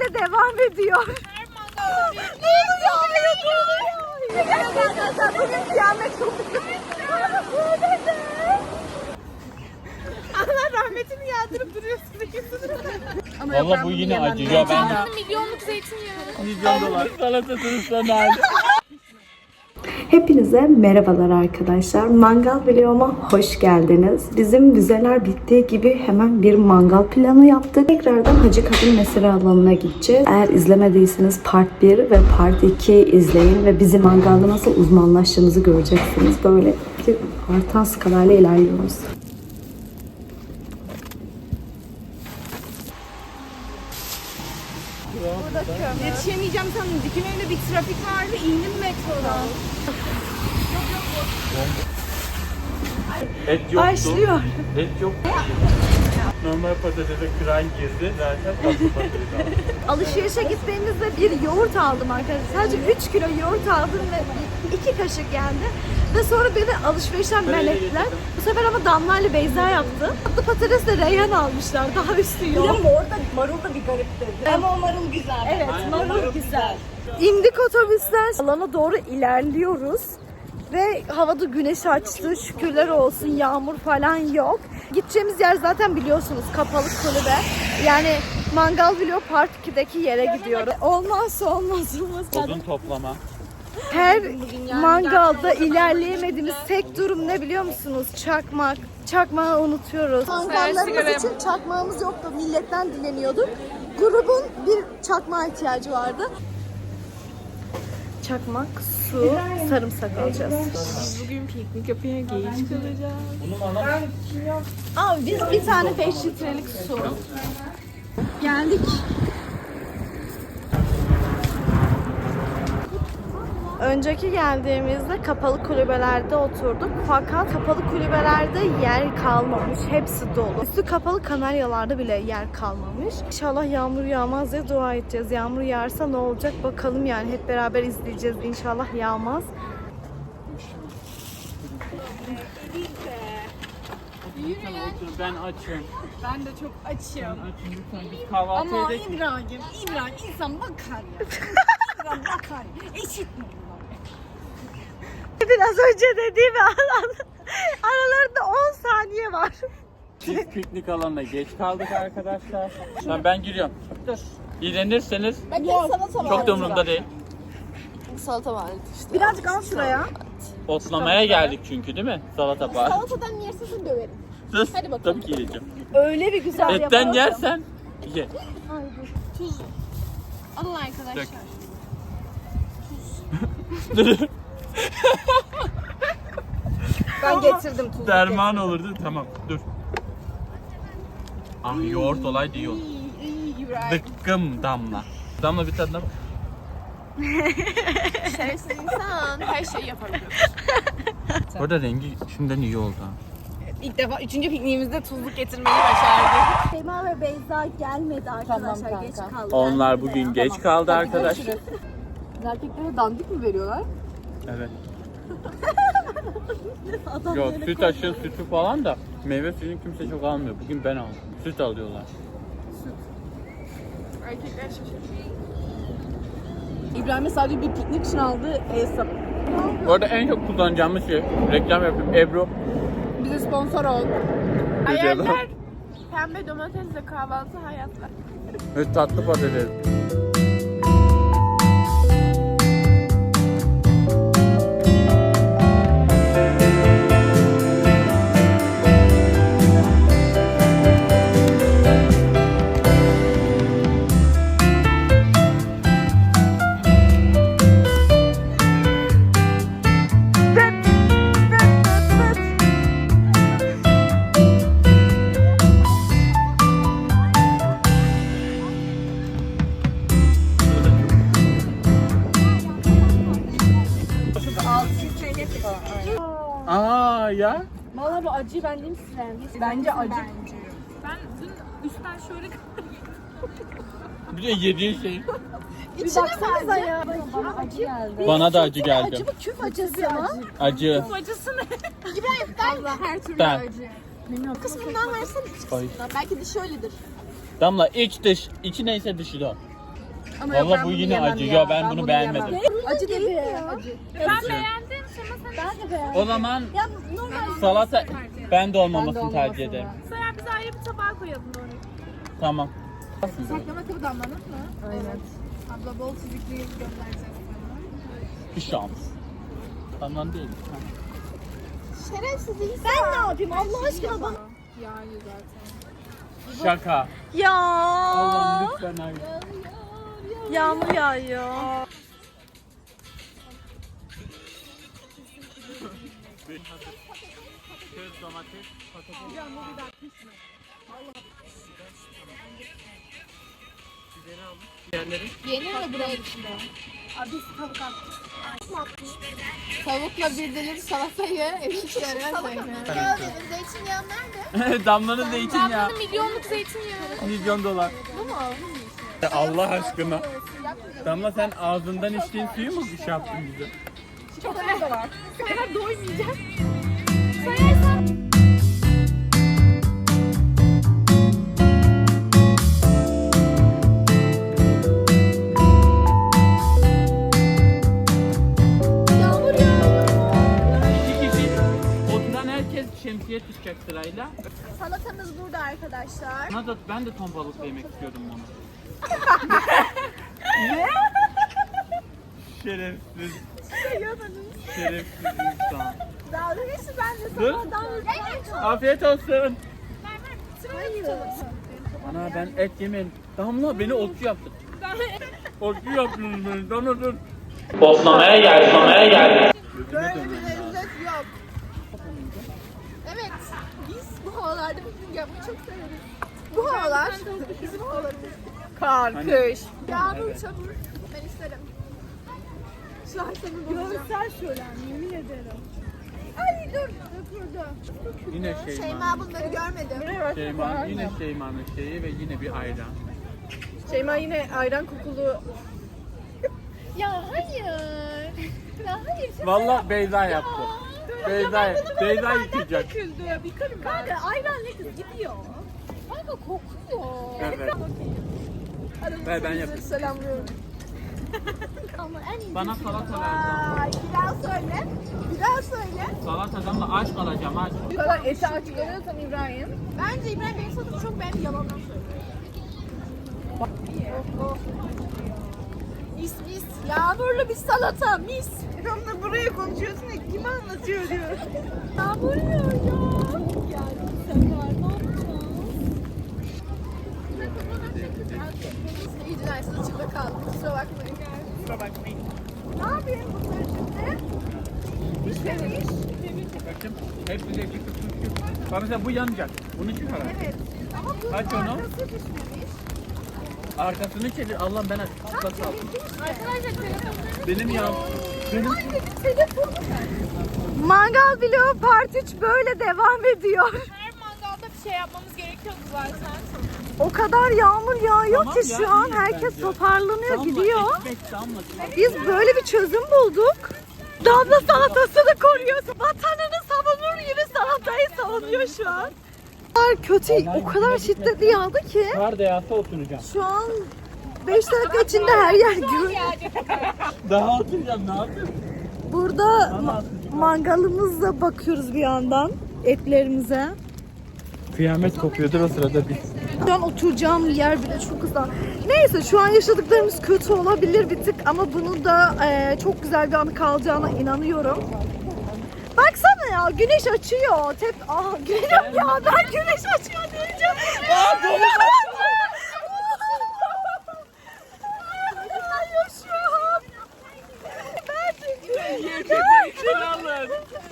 böyle devam ediyor. Ne oluyor? Gerçekten bugün kıyamet kopuyor. Allah rahmetini yağdırıp duruyorsun. Valla bu yine acı ya ben. Milyonluk zeytinyağı. Milyon dolar. Salatasının son hali. Hepinize merhabalar arkadaşlar. Mangal vloguma hoş geldiniz. Bizim vizeler bittiği gibi hemen bir mangal planı yaptık. Tekrardan Hacı Kadın Mesire alanına gideceğiz. Eğer izlemediyseniz Part 1 ve Part 2 izleyin ve bizim mangalda nasıl uzmanlaştığımızı göreceksiniz. Böyle bir artan skalayla ilerliyoruz. Yetişemeyeceğim sandım. Dikim evinde bir trafik vardı. İndim metrodan. Et yoktu. Başlıyor. Et yok. Normal patatese kıran girdi. Zaten tatlı patates aldım. Alışverişe gittiğimizde bir yoğurt aldım arkadaşlar. Sadece 3 kilo yoğurt aldım ve 2 kaşık geldi. Ve sonra beni alışverişten men ettiler. Bu sefer ama Damla ile Beyza yaptı. Tatlı patates de Reyhan almışlar. Daha üstü yok. Ama orada marul da bir garip dedi. Ama o marul güzel. Evet, marul güzel. İndik otobüsten. Alana doğru ilerliyoruz. Ve havada güneş açtı. Şükürler olsun, yağmur falan yok. Gideceğimiz yer zaten biliyorsunuz kapalı kulübe. Yani Mangal Vlog Part 2'deki yere gidiyoruz. Olmazsa olmazımız. Odun toplama. Her mangalda ilerleyemediğimiz tek durum ne biliyor musunuz? Çakmak. Çakmağı unutuyoruz. Mangallarımız için çakmağımız yoktu. Milletten dileniyorduk. Grubun bir çakmağa ihtiyacı vardı. Çakmak, su, sarımsak alacağız. Bugün piknik yapmaya geç kalacağız. Abi biz bir tane 5 litrelik su. Geldik. Önceki geldiğimizde kapalı kulübelerde oturduk. Fakat kapalı kulübelerde yer kalmamış. Hepsi dolu. Üstü kapalı kanaryalarda bile yer kalmamış. İnşallah yağmur yağmaz diye dua edeceğiz. Yağmur yağarsa ne olacak bakalım yani. Hep beraber izleyeceğiz. İnşallah yağmaz. Ben açım. Ben de çok açım. Açım lütfen biz kahvaltı Ama edelim. İbrahim insan bakar ya. İbrahim bakar. Eşit mi? Biraz önce dediğim aralarında 10 saniye var. Biz piknik alanına geç kaldık arkadaşlar. Tamam ben giriyorum. Dur. İğrenirseniz çok da umurumda değil. Salata var işte. Birazcık al şuraya. Otlamaya geldik çünkü değil mi? Salata var. Salatadan yersin döverim. Sus. Hadi bakalım. Tabii ki yiyeceğim. Öyle bir güzel Etten yapalım. yersen ye. Alın arkadaşlar. Dök. Ben getirdim tuzu. Derman olurdu. Tamam dur. Ah yoğurt olaydı iyi olur. Dıkkım Damla. Damla bir tadına bak. Şerefsiz insan her şeyi yapabiliyor. Orada rengi şimdiden iyi oldu. Ha. İlk defa 3. pikniğimizde tuzluk getirmeyi başardık. Sema ve Beyza gelmedi arkadaşlar. Geç kaldı. Onlar bugün geç kaldı arkadaşlar. Erkeklere dandik mi veriyorlar? Evet. Yok süt aşı sütü falan da meyve suyunu kimse çok almıyor. Bugün ben aldım. Süt alıyorlar. Erkekler şaşırıyor. İbrahim'e sadece bir piknik için aldığı hesap. Bu arada en çok kullanacağımız şey, reklam yapayım, Ebru. Bize sponsor ol. Hayaller pembe domatesle kahvaltı hayatlar. Ve tatlı patates. Aa ya. Valla bu acıyı ben diyeyim size. Bence acı. Ben dün üstten şöyle Bir de yediğin şey. Bir baksanıza ya. Bana acı geldi. Bana da acı geldi. Acı mı küf acısı mı? Acı. acısı ne? Allah her türlü Ben. acı. Kısmından versene. Ay. Belki de şöyledir. Damla iç dış. İçi neyse dışı da. Valla bu yine acı. Ya ben bunu beğenmedim. Acı değil mi? Acı. Ben beğendim. Ben de beğendim. O zaman Ya normal. salata ben de olmamasını tercih ederim. Sonra biz ayrı bir tabağa koyalım onu. Tamam. Saklama kabı damlanır mı? Evet. Abla bol çizikli göndereceğiz sana. Bir şans. Tamam değil. Şerefsiz insan. Ben ne yapayım Allah aşkına bana. Yağıyor zaten. Şaka. Ya. Allah'ım lütfen hayır. Yağmur yağıyor. Köz domates, patates. Diğerleri? Yenir mi buraya içinde? Abi biz tavuk attık. Tavukla bir dilim salatayı eşit görmez öyle. Ya dedim zeytinyağı nerede? Damlanın zeytinyağı. Milyonluk zeytinyağı. $1.000.000. Bu mu? Allah aşkına. Damla sen ağzından içtiğin suyu mu şey yaptın bize? Çok da var. Bu kadar doymayacağım. İki kişi oturan herkes şemsiye tutacak sırayla. Salatamız burada arkadaşlar. Nazat ben de ton balıklı yemek istiyordum onu. Şerefsiz. Şerefsiz insan. Dalga geçti ben de Dur. Evet. Afiyet olsun. Hayır. Ana ben et yemeyin. Damla beni otçu yaptın. Otçu yaptınız beni. Damla dur. Oslamaya geldi. Böyle bir lezzet yok. Evet. Biz bu havalarda piknik yapmayı çok severiz. Bu havalar bizim havalarımız. Kar, kış. Yağmur, çamur. Ben isterim. Şu an seni bulacağım. Görsel şölen yemin ederim. Ay dur. Döküldü. Yine Şeyma. Şeyma bunları görmedi. Şeyma yine Şeyma'nın şeyi ve yine bir ayran. Şeyma yine ayran kokulu. Ya hayır. Ya hayır. Vallahi Beyza yaptı. Beyza yıkayacak. Kanka ayran ne kız gidiyor. Kanka kokuyor. Evet. Ver ben yapayım. Selamlıyorum. Ama en iyi. Bana salata ver. Ay bir daha söyle. Bir daha söyle. Salatadan da aç kalacağım aç. Bu kadar eti açıklanıyorsan İbrahim. Bence İbrahim benim sadım çok beğendi yalandan söylüyor. Oh. Mis mis. Yağmurlu bir salata mis. Tam da buraya konuşuyorsun ya kime anlatıyor diyor. Yağmur yağıyor ya. Yani bu sefer ne yapacağız? İyice dersin içinde kaldım. Kusura bakmayın. Kusura bakmayın. Ne yapayım bunları şimdi? Pişmemiş. Bakın hepsi de küçük. Bak mesela bu yanacak. Bunu çıkar. Evet. Ama bu Aç onu. arkası pişmemiş. Arkasını çevir. Allah'ım ben aç. Arkası al. Arkadaşlar telefonları... Benim ya. Benim. Telefonu Mangal vlogu part 3 böyle devam ediyor. her mangalda bir şey yapmamız gerekiyordu zaten. O kadar yağmur yağıyor Tamam ki ya, şu an iyi herkes bence. toparlanıyor Damla, gidiyor. ekmek damla. Biz böyle bir çözüm bulduk. Damla salatasını koruyor. Vatanını savunur gibi salatayı savunuyor şu an. O kadar kötü, o kadar şiddetli yağdı ki Kar da yağsa oturacağım. şu an 5 dakika içinde her yer gül. Daha oturacağım ne yapayım? Burada mangalımızla bakıyoruz bir yandan etlerimize. Kıyamet kopuyordur o sırada bir. Şu an oturacağım yer bile çok güzel. Neyse şu an yaşadıklarımız kötü olabilir bir tık ama bunun da çok güzel bir anı kalacağına inanıyorum. Baksana ya güneş açıyor. Güneş ya ben güneş açıyor diyeceğim. Yaşıyorum. Ben de alın.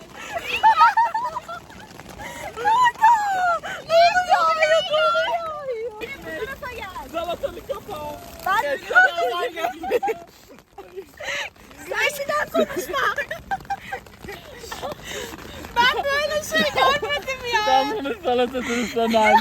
Salatanı kapa. Sen şeyden konuşma. Ben böyle şey görmedim ya. Damlanın salatasını sana hali.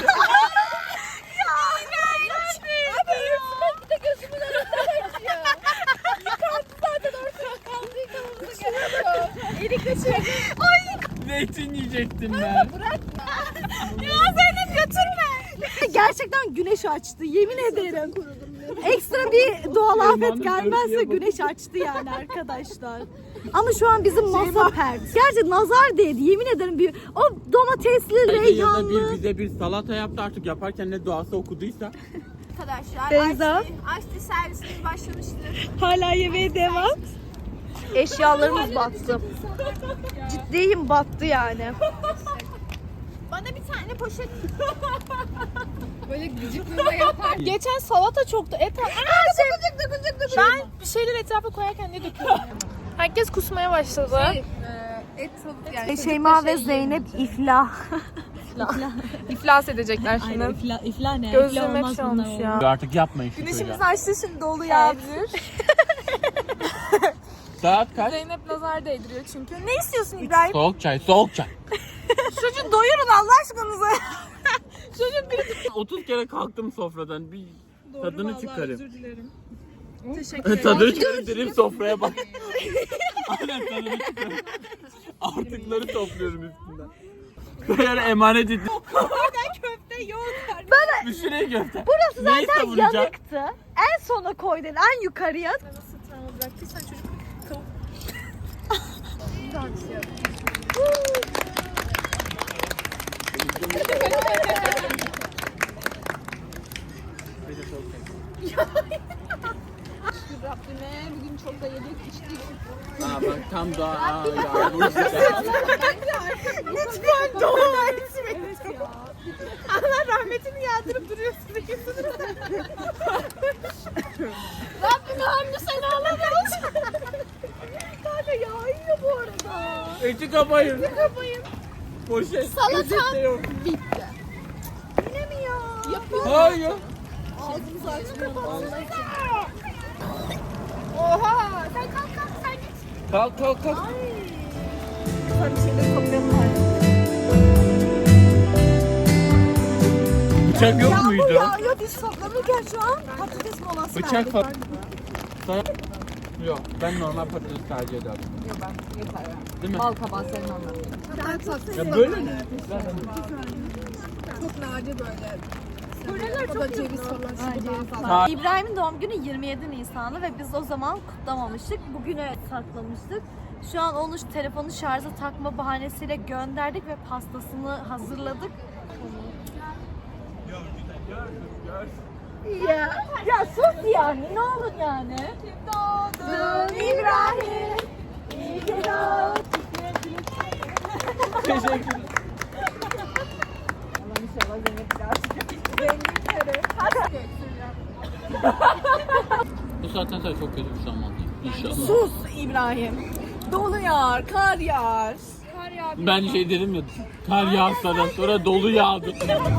Bir de gözümün önünden açıyor. Yıkandı zaten ortada kaldı yıkamamıza gerek yok. Elikle çek. Zeytin yiyecektim ben. Ya Zeynep götürme. Gerçekten güneş açtı yemin ederim. ekstra bir doğal afet Şeyma'nın gelmezse örtüye güneş açtı yani arkadaşlar. Ama şu an bizim masa pert. Gerçi nazar değdi yemin ederim bir o domatesli, Ya da reyhanlı. bize bir salata yaptı artık yaparken ne duası okuduysa. Arkadaşlar Beyza. açtı servisimiz başlamıştır. Hala yemeğe devam. Eşyalarımız battı. Ciddiyim battı yani. Bana bir tane poşet. Böyle gıcıklığına yapar. Geçen salata çoktu. Ben bir şeyler etrafa koyarken ne döküyorum? Herkes kusmaya başladı. Et tavuk yani. Şeyma ve Zeynep iflah. İflas edecekler şimdi. İfla ne? Gözlerim hep şey olmuş ya. Artık yapmayın şu Güneşimiz çocuğa. açtı şimdi dolu yağabilir. Saat kaç? Zeynep nazar değdiriyor çünkü. Ne istiyorsun İbrahim? Soğuk çay, soğuk çay. Çocuğu doyurun Allah aşkınıza. Çocuk bir 30 kere kalktım sofradan. Bir tadını çıkarayım. dilerim. Teşekkür ederim. Tadını çıkarayım sofraya bak. Aynen tadını çıkarayım. Artıkları topluyorum üstünden. Böyle emanet ettim. Köfte yok. Bir sürü köfte. Burası Neyi zaten savunacak? yanıktı. En sona koydun en yukarıya. Nasıl travma bıraktıysan çocuk tavuk. Rabbime bugün çok da yedik içtik. Aa bak tam daha Lütfen dua etmeyin. Allah rahmetini yağdırıp duruyorsun. Rabbime hamdü sen ağlamıyorsun. Kanka yağıyor bu arada. Eti kapayın. Kapayım. Poşet. Salatam Poşet de yok. bitti. Yine mi ya? Yapıyorum. Hayır. Ağzımızı açmıyor. Oha! Sen kalk sen git. Kalk kalk kalk. Sana bir şeyleri toplayalım hadi. Bıçak yok Yağmur muydu? yağıyor biz toplanırken şu an patates molası Bıçak verdik. falan. Yok ben normal patates tercih ederim. Yok ben yeter ya. Değil mi? Bal kabağı sevmem ben. Ya böyle mi? Çok nadir böyle. Koreler çok ceviz falan. Ha. İbrahim'in doğum günü 27 Nisan'ı ve biz o zaman kutlamamıştık. Bugüne saklamıştık. Şu an onu telefonu şarja takma bahanesiyle gönderdik ve pastasını hazırladık. Ya sus yani ne olur yani. Doğdun İbrahim. İyi ki doğdun. Teşekkür. Bu saatten sonra çok kötü bir şey olmadı. İnşallah. Sus İbrahim. Dolu yağar, kar yağar. Kar yağar. Ben şey dedim ya, kar yağsadan sonra dolu yağdı.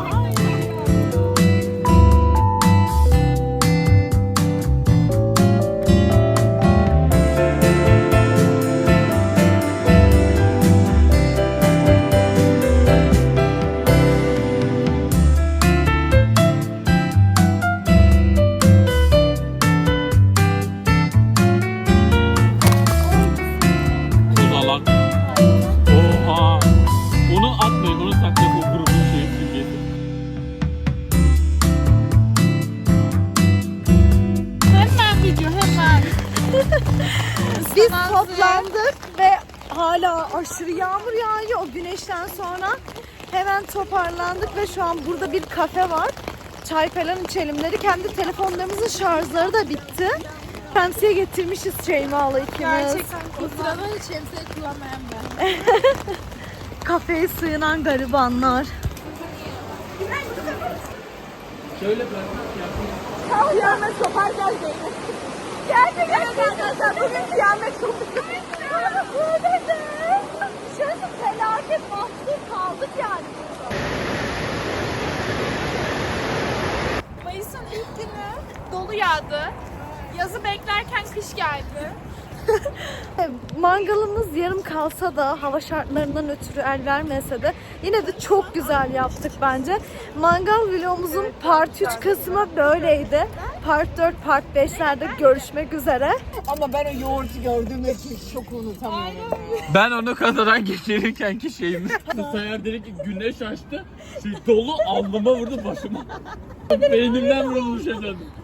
Tuzalak. Oha. Onu atmayın, onu saklayın o grubun simgesi. Hemen video hemen. Biz toplandık ve hala aşırı yağmur yağıyor. O güneşten sonra hemen toparlandık ve şu an burada bir kafe var. Çay falan içelim dedik. Hem de telefonlarımızın şarjları da bitti. Şemsiye getirmişiz Şeyma'la ikimiz. Gerçekten o sırada hiç şemsiye kullanmayan ben. Kafeye sığınan garibanlar. Şöyle bırak. Kıyamet kopar gel Zeynep. Gerçekten bugün kıyamet kopar. Şöyle felaket mahsur kaldık yani. Mayıs'ın ilk günü dolu yağdı. Yazı beklerken kış geldi. Mangalımız yarım kalsa da hava şartlarından ötürü el vermese de yine de çok güzel yaptık bence. Mangal vlogumuzun part 3 kısmı böyleydi. Part 4, part 5'lerde görüşmek üzere. Ama ben o yoğurtu gördüğümde çok unutamıyorum. Ben onu kazadan geçirirken ki şeyimi. Sayar dedi ki güneş açtı. Şey dolu alnıma vurdu başıma. Beynimden vurulmuş efendim.